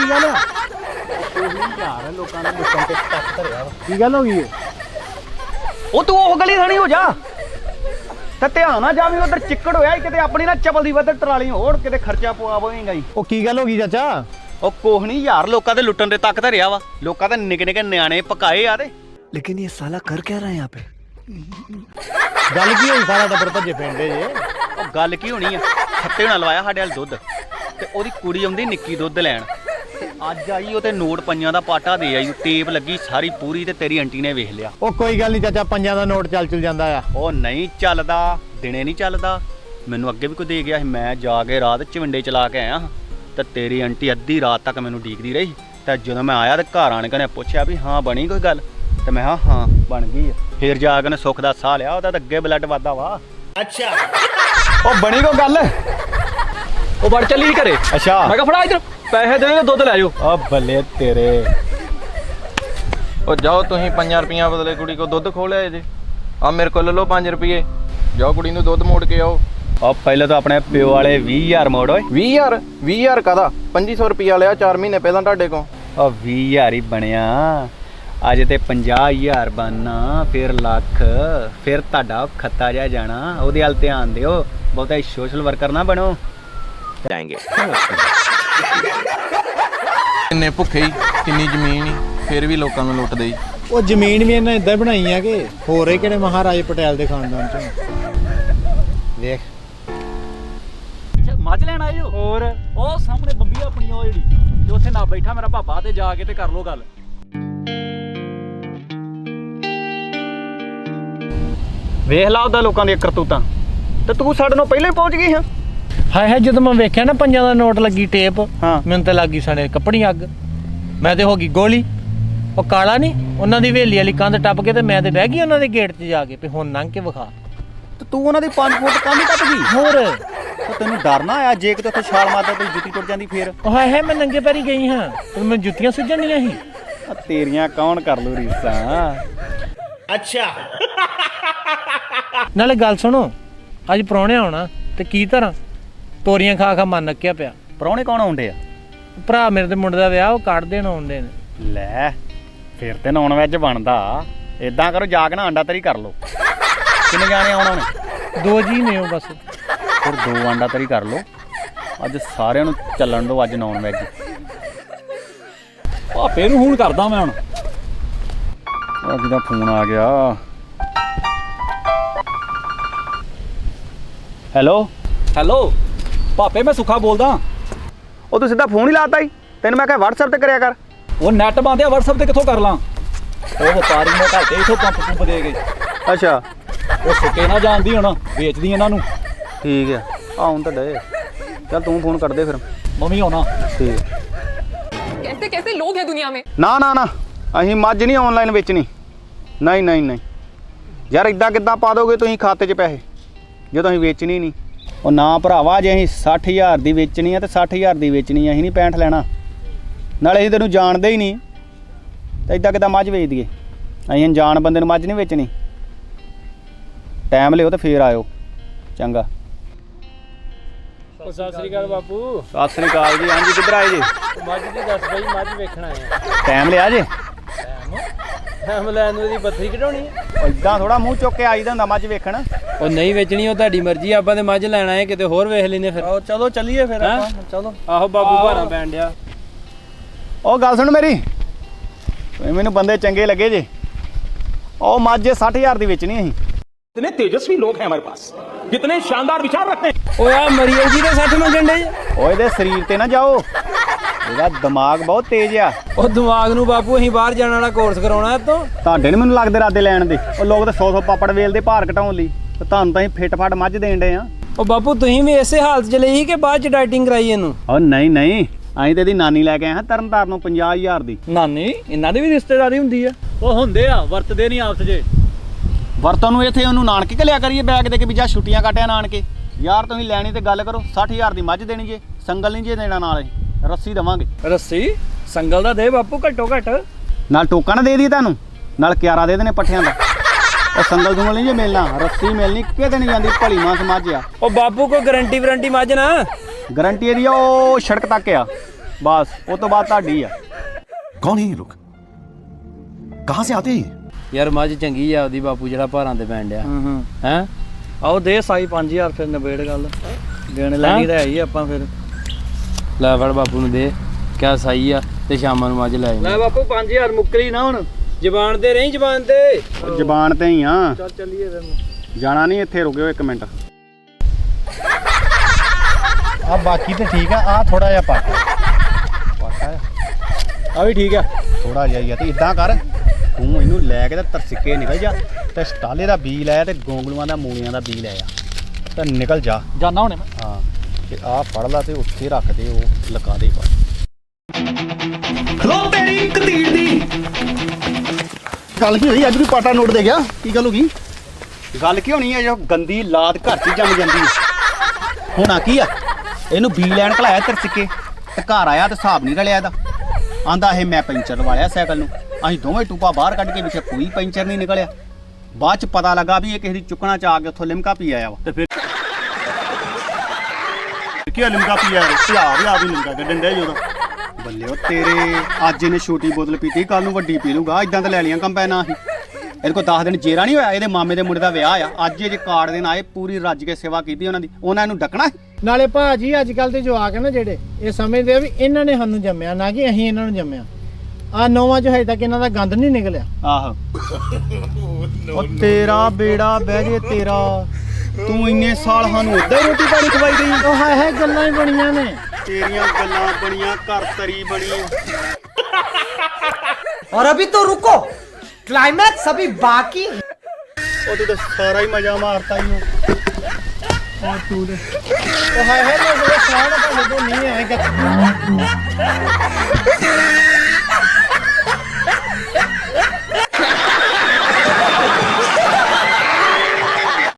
ਕੀ ਗੱਲ ਆ? ਯਾਰ ਲੋਕਾਂ ਨੇ ਲੁੱਟਣ ਤੇ ਟੱਕ ਧਰਿਆ ਕੀ ਗੱਲ ਹੋ ਗਈ ਏ? ਉਹ ਤੂੰ ਉਹ ਗਲੀ ਥਾਣੀ ਹੋ ਜਾ ਤੇ ਧਿਆਨ ਨਾ ਜਾਵੀਂ ਉਧਰ ਚਿੱਕੜ ਹੋਇਆ ਕਿਤੇ ਆਪਣੀ ਨਾ ਚਪਲ ਦੀ ਵੱਧ ਟਰਾਲੀ ਹੋਰ ਕਿਤੇ ਖਰਚਾ ਪਵਾਵੇਂਗਾ ਹੀ। ਉਹ ਕੀ ਗੱਲ ਹੋ ਗਈ ਚਾਚਾ? ਉਹ ਕੋਹ ਨਹੀਂ ਯਾਰ ਲੋਕਾਂ ਦੇ ਲੁੱਟਣ ਦੇ ਤੱਕ ਧਰਿਆ ਵਾ। ਲੋਕਾਂ ਦੇ ਨਿੱਕੇ ਨਿੱਕੇ ਨਿਆਣੇ ਪਕਾਏ ਆ ਤੇ लेकिन ये साला कर क्या रहा है यहाँ पे? ਗੱਲ ਕੀ ਹੋਈ? ਸਾਰਾ ਟੱਬਰ ਭੱਜੇ ਫਿਰਦੇ ਜੇ। ਉਹ ਗੱਲ ਕੀ ਹੋਣੀ ਆ, ਖੱਤੇ ਨਾਲ ਲਵਾਇਆ ਸਾਡੇ ਵਾਲ ਦੁੱਧ ਤੇ ਉਹਦੀ ਕੁੜੀ ਆਉਂਦੀ ਨਿੱਕੀ ਦੁੱਧ ਲੈਣ ਤੇ ਅੱਜ ਆਈ ਉਹ ਤੇ ਨੋਟ ਪੰਜਾਂ ਦਾ ਪਾਟਾ ਦੇ ਆਈ, ਟੇਪ ਲੱਗੀ ਸਾਰੀ ਪੂਰੀ ਤੇ ਤੇਰੀ ਆਂਟੀ ਨੇ ਵੇਖ ਲਿਆ। ਉਹ ਕੋਈ ਗੱਲ ਨਹੀਂ ਚਾਚਾ, ਪੰਜਾਂ ਦਾ ਨੋਟ ਚੱਲ ਜਾਂਦਾ ਆ। ਉਹ ਨਹੀਂ ਚੱਲਦਾ, ਦਿਨੇ ਨਹੀਂ ਚੱਲਦਾ। ਮੈਨੂੰ ਅੱਗੇ ਵੀ ਕੋਈ ਦੇ ਗਿਆ ਸੀ, ਮੈਂ ਜਾ ਕੇ ਰਾਤ ਚਵਿੰਡੇ ਚਲਾ ਕੇ ਆਇਆ ਤੇ ਤੇਰੀ ਆਂਟੀ ਅੱਧੀ ਰਾਤ ਤੱਕ ਮੈਨੂੰ ਡੀਕਦੀ ਰਹੀ ਤੇ ਜਦੋਂ ਮੈਂ ਆਇਆ ਤੇ ਘਰ ਆਣ ਕੇ ਨੇ ਪੁੱਛਿਆ ਵੀ ਹਾਂ ਬਣੀ ਕੋਈ ਗੱਲ ਤੇ ਮੈਂ ਹਾਂ ਬਣ ਗਈ ਆ। ਫਿਰ ਜਾ ਕੇ ਨੇ ਸੁੱਖ ਦਾ ਸਾਹ ਲਿਆ, ਉਹਦਾ ਤਾਂ ਅੱਗੇ ਬਲੱਡ ਵੱਧਦਾ ਵਾ। ਅੱਛਾ ਉਹ ਬਣੀ ਕੋਈ ਗੱਲ? ਉਹ ਵੜ ਚੱਲੀ ਘਰੇ। ਅੱਛਾ ਮੈਂ ਕਿਹਾ ਫੜਾ ਇਧਰ ਪੈਸੇ ਦੇ ਦੁੱਧ ਲੈ ਜਾਓ। ਆ ਬੱਲੇ ਤੇਰੇ। ਉਹ ਜਾਓ ਤੁਸੀਂ 5 ਰੁਪਈਆ ਬਦਲੇ ਕੁੜੀ ਕੋ ਦੁੱਧ ਖੋਹ ਲਿਆ ਜੇ। ਆ ਮੇਰੇ ਕੋਲ ਲੈ ਲਓ 5 ਰੁਪਏ, ਜਾਓ ਕੁੜੀ ਨੂੰ ਦੁੱਧ ਮੋੜ ਕੇ ਆਓ। ਆ ਪਹਿਲਾਂ ਤਾਂ ਆਪਣੇ ਪਿਓ ਵਾਲੇ 20,000 ਮੋੜ ਓਏ। 20,000 ਕਾਹਦਾ? 2500 ਰੁਪਈਆ ਲਿਆ 4 ਮਹੀਨੇ ਪਹਿਲਾਂ ਤੁਹਾਡੇ ਕੋਲ। ਆ 20,000 ਹੀ ਬਣਿਆ, ਅੱਜ ਤੇ 50,000 ਬਣਨਾ, ਫਿਰ ਲੱਖ, ਫਿਰ ਤੁਹਾਡਾ ਖੱਤਾ ਜਾ ਜਾਣਾ। ਉਹਦੇ ਵੱਲ ਧਿਆਨ ਦਿਓ, ਬਹੁਤਾ ਸੋਸ਼ਲ ਵਰਕਰ ਨਾ ਬਣੋ। ਕਿੰਨੇ ਭੁੱਖੇ ਹੀ, ਕਿੰਨੀ ਜ਼ਮੀਨ ਹੀ, ਫਿਰ ਵੀ ਲੋਕਾਂ ਨੂੰ ਲੁੱਟਦੇ ਹੀ। ਉਹ ਜ਼ਮੀਨ ਵੀ ਇਹਨਾਂ ਇਦਾਂ ਬਣਾਈ ਆ ਕਿ ਹੋਰ ਹੀ ਕਿਹੜੇ ਮਹਾਰਾਜੇ ਪਟੇਲ ਦੇ ਖਾਨਦਾਨ ਚੋਂ। ਵੇਖ ਮੱਝ ਲੈਣ ਆਏ ਹੋ? ਹੋਰ ਉਹ ਸਾਹਮਣੇ ਬੰਬੀ ਆਪਣੀ ਉਹ ਜਿਹੜੀ ਤੇ ਉੱਥੇ ਨਾ ਬੈਠਾ ਮੇਰਾ ਭਾਪਾ ਤੇ ਜਾ ਕੇ ਤੇ ਕਰ ਲੋ ਗੱਲ। ਵੇਖ ਲਾ ਉਹਦਾ ਲੋਕਾਂ ਦੀਆਂ ਕਰਤੂਤਾਂ ਤੇ ਤੂੰ ਸਾਡੇ ਨੂੰ ਪਹਿਲਾਂ ਹੀ ਪਹੁੰਚ ਗਈ ਹਾਂ। ਹਾਏ ਹਾਏ, ਜਦੋਂ ਮੈਂ ਵੇਖਿਆ ਨਾ ਪੰਜਾਂ ਦਾ ਨੋਟ ਲੱਗੀ ਟੇਪ, ਹਾਂ। ਮੈਨੂੰ ਤਾਂ ਲੱਗੀ ਸਾਡੇ ਕੱਪੜੀ ਅੱਗ। ਮੈਂ ਤੇ ਹੋ ਗਈ ਗੋਲੀ। ਉਹ ਕਾਲਾ ਨਹੀਂ, ਉਹਨਾਂ ਦੀ ਹਵੇਲੀ ਵਾਲੀ ਕੰਧ ਟੱਪ ਕੇ ਤੇ ਮੈਂ ਤੇ ਬਹਿ ਗਈ ਉਹਨਾਂ ਦੇ ਗੇਟ 'ਚ ਜਾ ਕੇ ਵੀ ਹੁਣ ਲੰਘ ਕੇ ਵਿਖਾ। ਤੇ ਤੂੰ ਉਹਨਾਂ ਦੀ 5 ਫੁੱਟ ਕੰਧ ਟੱਪ ਗਈ। ਹੋਰ ਤੇ ਤੈਨੂੰ ਡਰ ਨਾ ਆਇਆ ਜੇ ਕਿਤੇ ਉੱਥੇ ਛਾਲ ਮਾਰਦਾ ਤੇ ਜੁੱਤੀ ਟੁੱਟ ਜਾਂਦੀ ਫੇਰ? ਉਹ ਹਾਏ ਹਾਏ, ਮੈਂ ਨੰਗੇ ਪੈਰੀ ਗਈ ਹਾਂ ਤੇ ਮੈਨੂੰ ਜੁੱਤੀਆਂ ਸੁੱਜਣੀਆਂ ਸੀ। ਆ ਤੇਰੀਆਂ ਕੌਣ ਕਰ ਲੂ ਰੀਸਾਂ। ਨਾਲੇ ਗੱਲ ਸੁਣੋ, ਅੱਜ ਪ੍ਰਾਹੁਣੇ ਆਉਣਾ ਤੇ ਕੀ ਤਰ੍ਹਾਂ ਤੋਰੀਆਂ ਖਾ ਖਾ ਮਨ ਨੱਕਿਆ ਪਿਆ। ਪ੍ਰਾਹੁਣੇ ਕੌਣ ਆਉਂਦੇ ਆ? ਭਰਾ ਮੇਰੇ ਦੇ ਮੁੰਡੇ ਦਾ ਵਿਆਹ ਉਹ ਕੱਢ ਦੇਣ ਆਉਂਦੇ ਨੇ। ਲੈ ਫਿਰ ਤੇ ਨੌਨ ਵੈਜ ਬਣਦਾ। ਇਦਾਂ ਕਰੋ ਜਾ ਕੇ ਨਾ ਅੰਡਾ ਤਰੀ ਕਰ ਲਓ। ਕਿੰਨੇ ਜਾਣੇ ਆਉਣਾ ਨੇ? 2 ਜੀ ਨੇ ਉਹ ਬਸ। ਫਿਰ 2 ਅੰਡਾ ਤਰੀ ਕਰ ਲਓ। ਅੱਜ ਸਾਰਿਆਂ ਨੂੰ ਚੱਲਣ ਦਿਓ, ਅੱਜ ਨੌਨ ਵੈਜ। ਭਾਪੇ ਨੂੰ ਫੋਨ ਕਰਦਾ ਮੈਂ ਹੁਣ। ਅੱਜ ਦਾ ਫੋਨ ਆ ਗਿਆ। ਹੈਲੋ ਹੈਲੋ ਭਾਪੇ, ਮੈਂ ਸੁੱਖਾ ਬੋਲਦਾ। ਉਹ ਤੂੰ ਸਿੱਧਾ ਫੋਨ ਹੀ ਲਾਤਾ ਹੀ। ਤੈਨੂੰ ਮੈਂ ਕਿਹਾ WhatsApp ਤੇ ਕਰਿਆ ਕਰ। ਉਹ ਨੈਟ ਬੰਦ ਆ, WhatsApp ਤੇ ਕਿੱਥੋਂ ਕਰ ਲਾਂ? ਉਹ ਵਪਾਰੀ ਨੇ ਘਾਟੇ ਇਥੋਂ ਪੰਪ ਦੇ ਗਏ। ਅੱਛਾ ਉਹ ਸੁੱਕੇ ਨਾ ਜਾਣਦੀ ਹੁਣ, ਵੇਚਦੀ ਇਹਨਾਂ ਨੂੰ। ਠੀਕ ਆ, ਆਉਣ ਤਾਂ ਡੇ। ਚੱਲ ਤੂੰ ਫੋਨ ਕਰ ਦੇ ਫਿਰ। ਮੰਮੀ ਆਉਣਾ। ਠੀਕ। कैसे कैसे लोग हैं दुनिया में। ਨਾ ਨਾ ਨਾ, ਅਸੀਂ ਮੱਝ ਨਹੀਂ ਆਨਲਾਈਨ ਵੇਚਣੀ। ਨਹੀਂ ਨਹੀਂ ਨਹੀਂ ਯਾਰ, ਇਦਾਂ ਕਿੱਦਾਂ ਪਾ ਦੋਗੇ ਤੁਸੀਂ ਖਾਤੇ 'ਚ ਪੈਸੇ ਜਦੋਂ ਅਸੀਂ ਵੇਚਣੀ ਨਹੀਂ? ਉਹ ਨਾ ਭਰਾਵਾ, ਜੇ ਅਸੀਂ 60,000 ਦੀ ਵੇਚਣੀ ਆ ਤੇ 60,000 ਦੀ ਵੇਚਣੀ ਆ, ਅਸੀਂ ਨਹੀਂ 65 ਲੈਣਾ। ਨਾਲੇ ਅਸੀਂ ਤੈਨੂੰ ਜਾਣਦੇ ਹੀ ਨਹੀਂ ਤਾਂ ਇਦਾਂ ਕਿੱਦਾਂ ਮੱਝ ਵੇਚ ਦਈਏ? ਅਸੀਂ ਅਣਜਾਣ ਬੰਦੇ ਨੂੰ ਮੱਝ ਨਹੀਂ ਵੇਚਣੀ। ਟਾਈਮ ਲਿਓ ਤੇ ਫੇਰ ਆਇਓ। ਚੰਗਾ। ਸਤਿ ਸ੍ਰੀ ਅਕਾਲ ਬਾਪੂ। ਸਤਿ ਸ੍ਰੀ ਅਕਾਲ ਜੀ। ਹਾਂਜੀ ਕਿੱਧਰ ਆਏ ਜੀ? ਮੱਝ ਦੀ ਦੱਸ ਬਈ, ਮੱਝ ਵੇਖਣਾ ਆ। ਟਾਈਮ ਲਿਆ ਜੇ? ਟਾਈਮ ਲੈਣ ਨੂੰ ਦੀ ਬੱਥਰੀ ਕਢਾਉਣੀ ਆ। ਇਦਾਂ ਥੋੜਾ ਮੂੰਹ ਚੁੱਕ ਕੇ ਆਈਦਾ ਹੁੰਦਾ ਮੱਝ ਵੇਖਣ। ਉਹ ਨਹੀਂ ਵੇਚਣੀ, ਉਹ ਤੁਹਾਡੀ ਮਰਜ਼ੀ। ਆਪਾਂ ਤੇ ਮੱਝ ਲੈਣਾ ਹੈ, ਕਿਤੇ ਹੋਰ ਵੇਖ ਲੈਨੇ ਫਿਰ। ਚਲੋ ਚੱਲੀਏ ਫਿਰ ਆਪਾਂ। ਚਲੋ। ਆਹੋ ਬਾਬੂ ਭਾਰਾ ਪੈਣ ਡਿਆ। ਉਹ ਗੱਲ ਸੁਣ ਮੇਰੀ, ਮੈਨੂੰ ਬੰਦੇ ਚੰਗੇ ਲੱਗੇ ਜੇ। ਉਹ ਮੱਝ 60,000 ਦੀ ਵੇਚਣੀ ਅਸੀਂ। इतने तेजस्वी लोग हैं हमारे पास, कितने शानदार विचार रखते हैं। ਓਏ ਆ ਮਰੀਏ ਜੀ ਦੇ 60 ਮੰਗਣ ਡੇ। ਓਏ ਇਹਦੇ ਸਰੀਰ ਤੇ ਨਾ ਜਾਓ, ਇਹਦਾ ਦਿਮਾਗ ਬਹੁਤ ਤੇਜ਼ ਆ। ਉਹ ਦਿਮਾਗ ਨੂੰ ਬਾਪੂ ਅਸੀਂ ਬਾਹਰ ਜਾਣ ਵਾਲਾ ਕੋਰਸ ਕਰਾਉਣਾ ਇਤੋਂ। ਤੁਹਾਡੇ ਨੀ ਮੈਨੂੰ ਲੱਗਦੇ ਰਾਦੇ ਲੈਣ ਦੇ। ਉਹ ਲੋਕ ਤਾਂ 100 ਪਾਪੜ ਵੇਲਦੇ ਭਾਰ ਘਟਾਉਣ ਲਈ, ਤੇ ਤੁਹਾਨੂੰ ਤਾਂ ਅਸੀਂ ਫਿੱਟ ਫੱਟ ਮੱਝ ਦੇਣ ਡੇ ਆ। ਉਹ ਬਾਪੂ ਤੁਸੀਂ ਵੀ ਇਸੇ ਹਾਲਤ 'ਚ ਲਈ ਕਿ ਬਾਅਦ 'ਚ ਡਾਈਟਿੰਗ ਕਰਾਈ ਇਹਨੂੰ? ਉਹ ਨਹੀਂ ਨਹੀਂ, ਅਸੀਂ ਤੇ ਇਹਦੀ ਨਾਨੀ ਲੈ ਕੇ ਆਏ ਹਾਂ ਤਰਨਤਾਰਨ ਨੂੰ 50,000 ਦੀ। ਨਾਨੀ ਇਹਨਾਂ ਦੀ ਵੀ ਰਿਸ਼ਤੇਦਾਰੀ ਹੁੰਦੀ ਆ? ਉਹ ਹੁੰਦੇ ਆ, ਵਰਤਦੇ ਨਹੀਂ ਆਪਸ 'ਚ। ਵਰਤੋਂ ਨੂੰ ਇੱਥੇ ਉਹਨੂੰ ਨਾਨਕੇ ਘੱਲਿਆ ਕਰੀਏ ਬੈਗ ਦੇ ਕੇ ਵੀ ਜਾ ਛੁੱਟੀਆਂ ਕੱਟਿਆ ਨਾਨਕੇ। ਯਾਰ ਤੁਸੀਂ ਲੈਣੀ ਤੇ ਗੱਲ ਕਰੋ। 60,000 ਦੀ ਮੱਝ ਦੇਣੀ ਜੇ, ਸੰਗਲ ਨਹੀਂ ਜੇ ਦੇਣਾ, ਨਾਲ ਅਸੀਂ ਰੱਸੀ ਦੇਵਾਂਗੇ। ਰੱਸੀ ਸੰਗਲ ਦਾ ਦੇ ਬਾਪੂ, ਘੱਟੋ ਘੱਟ। ਨਾਲ ਟੋਕਾ ਨਾ ਦੇ ਦਈਏ ਤੁਹਾਨੂੰ, ਨਾਲ ਕਿਆਰਾ ਦੇ ਦੇਣੇ ਪੱਠਿਆਂ ਦਾ। ਉਹ ਸੰਗਲ ਦੁੰਗਲ ਨਹੀਂ ਜੇ ਮਿਲਣਾ, ਰੱਸੀ ਮਿਲਣੀ ਕਿਤੇ ਨਹੀਂ ਜਾਂਦੀ। ਭਲੀ ਮਾਸ ਮੱਝ ਆ। ਉਹ ਬਾਪੂ ਕੋਈ ਗਾਰੰਟੀ ਵਾਰੰਟੀ ਮੱਝ ਨਾ? ਗਾਰੰਟੀ ਇਹਦੀ ਆ, ਉਹ ਸੜਕ ਤੱਕ ਆ। ਬਸ ਉਹ ਤੋਂ ਬਾਅਦ ਤੁਹਾਡੀ ਆ। कौन है ये लोग? कहाँ से आते हैं? ਯਾਰ ਮੱਝ ਚੰਗੀ ਆ ਉਹਦੀ ਬਾਪੂ ਜਿਹੜਾ ਭਾਰਾਂ ਤੇ ਪੈਣ ਡਿਆ ਹੈ ਆਓ ਦੇ ਸਾਈ 5000 ਫਿਰ ਨਿਬੇੜ ਗੱਲ ਦੇਣ ਲੈਣੀ ਤਾਂ ਹੈ ਹੀ ਆਪਾਂ ਫਿਰ ਲੈ ਫੜ ਬਾਪੂ ਨੂੰ ਦੇ ਕਿਆ ਸਹੀ ਆ ਤੇ ਸ਼ਾਮਾਂ ਨੂੰ ਮੱਝ ਲੈ ਆਈ ਲੈ ਬਾਪੂ 5000 ਮੁੱਕਰੀ ਨਾ ਹੁਣ ਜ਼ਬਾਨ ਤੇ ਨਹੀਂ ਜ਼ਬਾਨ ਤੇ ਉਹ ਜ਼ਬਾਨ ਤੇ ਹੀ ਆ। ਚੱਲ ਚੱਲੀਏ ਫਿਰ ਜਾਣਾ ਨਹੀਂ, ਇੱਥੇ ਰੁਕਿਓ 1 ਮਿੰਟ। ਆ ਬਾਕੀ ਤੇ ਠੀਕ ਆ, ਆ ਥੋੜਾ ਜਿਹਾ ਪਾਟਾ ਆ ਵੀ ਠੀਕ ਆ, ਥੋੜਾ ਜਿਹਾ ਹੀ ਆ। ਤੇ ਇਦਾਂ ਕਰ, ਤੂੰ ਇਹਨੂੰ ਲੈ ਕੇ ਤੇ ਤਰਸਿੱਕੇ ਨਿਕਲ ਜਾ ਤੇ ਸਟਾਲੇ ਦਾ ਬੀ ਲੈ ਤੇ ਗੋਂਗਲੂਆਂ ਦਾ ਮੂਲੀਆਂ ਦਾ ਬੀ ਲੈ ਆ ਤੇ ਨਿਕਲ ਜਾ। ਜਾਣਾ ਹੁਣੇ ਮੈਂ। ਹਾਂ ਤੇ ਆਹ ਫੜ ਲਾ ਤੇ ਉੱਥੇ ਰੱਖ ਦੇ, ਉਹ ਲਗਾ ਦੇ ਬਸ। खलो तेरी कतीड़ दी। ਗੱਲ ਕੀ ਹੋਈ? ਅੱਜ ਵੀ ਪਾਟਾ ਨੋਟ ਦੇ ਗਿਆ, ਕੀ ਗੱਲ ਹੋ ਗਈ? ਗੱਲ ਕੀ ਹੋਣੀ ਹੈ, ਜੋ ਗੰਦੀ ਲਾਤ ਘਰ 'ਚ ਜੰਮ ਜਾਂਦੀ ਹੈ। ਹੋਣਾ ਕੀ ਆ, ਇਹਨੂੰ ਬੀ ਲੈਣ ਘਲਾਇਆ ਤਰਸਿੱਕੇ ਤੇ ਘਰ ਆਇਆ ਤੇ ਹਿਸਾਬ ਨਹੀਂ ਰਲਿਆ ਇਹਦਾ। ਆਂਦਾ ਇਹ ਮੈਂ ਪੈਂਚਰ ਲਵਾਇਆ ਸਾਈਕਲ ਨੂੰ। ਅਸੀਂ ਦੋਵੇਂ ਟੂਪਾ ਬਾਹਰ ਕੱਢ ਕੇ ਵਿੱਚ ਕੋਈ ਪੈਂਚਰ ਨਹੀਂ ਨਿਕਲਿਆ। ਬਾਅਦ 'ਚ ਪਤਾ ਲੱਗਾ ਵੀ ਇਹ ਕਿਸੇ ਦੀ ਚੁੱਕਣਾ 'ਚ ਆ ਕੇ ਉੱਥੋਂ ਲਿਮਕਾ ਪੀ ਆਇਆ ਵਾ। ਤੇ ਫਿਰ ਕੀ ਲਿਮਕਾ ਪੀ ਆਇਆ? ਆ ਵੀ ਲਿਮਕਾ ਕੱਢਣ ਡਿਆ ਜੀ ਉਹਦਾ। ਬੱਲੇ ਉਹ ਤੇਰੇ, ਅੱਜ ਇਹਨੇ ਛੋਟੀ ਬੋਤਲ ਪੀਤੀ, ਕੱਲ ਨੂੰ ਵੱਡੀ ਪੀ ਲੂਗਾ। ਇਦਾਂ ਤਾਂ ਲੈ ਲੀਆਂ ਕੰਪੈਨਾਂ ਅਸੀਂ। ਇਹਦੇ ਕੋਲ 10 ਦਿਨ ਜੇਰਾ ਨਹੀਂ ਹੋਇਆ। ਇਹਦੇ ਮਾਮੇ ਦੇ ਮੁੰਡੇ ਦਾ ਵਿਆਹ ਆ ਅੱਜ। ਜੇ ਕਾਰਡ ਦੇਣ ਆਏ, ਪੂਰੀ ਰੱਜ ਕੇ ਸੇਵਾ ਕੀਤੀ ਉਹਨਾਂ ਦੀ। ਉਹਨਾਂ ਇਹਨੂੰ ਡੱਕਣਾ। ਨਾਲੇ ਭਾਜੀ ਅੱਜ ਕੱਲ ਦੇ ਜਵਾਕ ਨੇ ਜਿਹੜੇ ਇਹ ਸਮਝਦੇ ਆ ਵੀ ਇਹਨਾਂ ਨੇ ਸਾਨੂੰ ਜੰਮਿਆ, ਨਾ ਕਿ ਅਸੀਂ ਇਹਨਾਂ ਨੂੰ ਜੰਮਿਆ। ਆ ਨੌਵਾਂ ਚ ਹਜੇ ਤੱਕ ਇਹਨਾਂ ਦਾ ਗੰਦ ਨਹੀਂ ਨਿਕਲਿਆ। ਆਹੋ ਉਹ ਤੇਰਾ ਬੇੜਾ ਬਹਿ ਜੇ ਤੇਰਾ। ਤੂੰ ਇੰਨੇ ਸਾਲ ਸਾਨੂੰ ਉੱਦਾਂ ਹੀ ਰੋਟੀ ਪਾਣੀ ਖਵਾਈ ਗਈ। ਉਹ ਹਾਏ ਗੱਲਾਂ ਹੀ ਬਣੀਆਂ ਨੇ। ਤੇਰੀਆਂ ਗੱਲਾਂ ਬਣੀਆਂ, ਘਰ ਤਰੀ ਬਣੀ। और अभी तो रुको, क्लाइमैक्स अभी बाकी। ਉਹ ਤੂੰ ਤਾਂ ਸਾਰਾ ਹੀ ਮਜ਼ਾ ਮਾਰਤਾ ਹੀ। ਉਹ ਹਾਏ ਮੇਰੇ ਕੋਲ ਸਾਹ ਨਾ ਭਾਵੇਂ ਤੋਂ ਨਹੀਂ ਆਏਗਾ।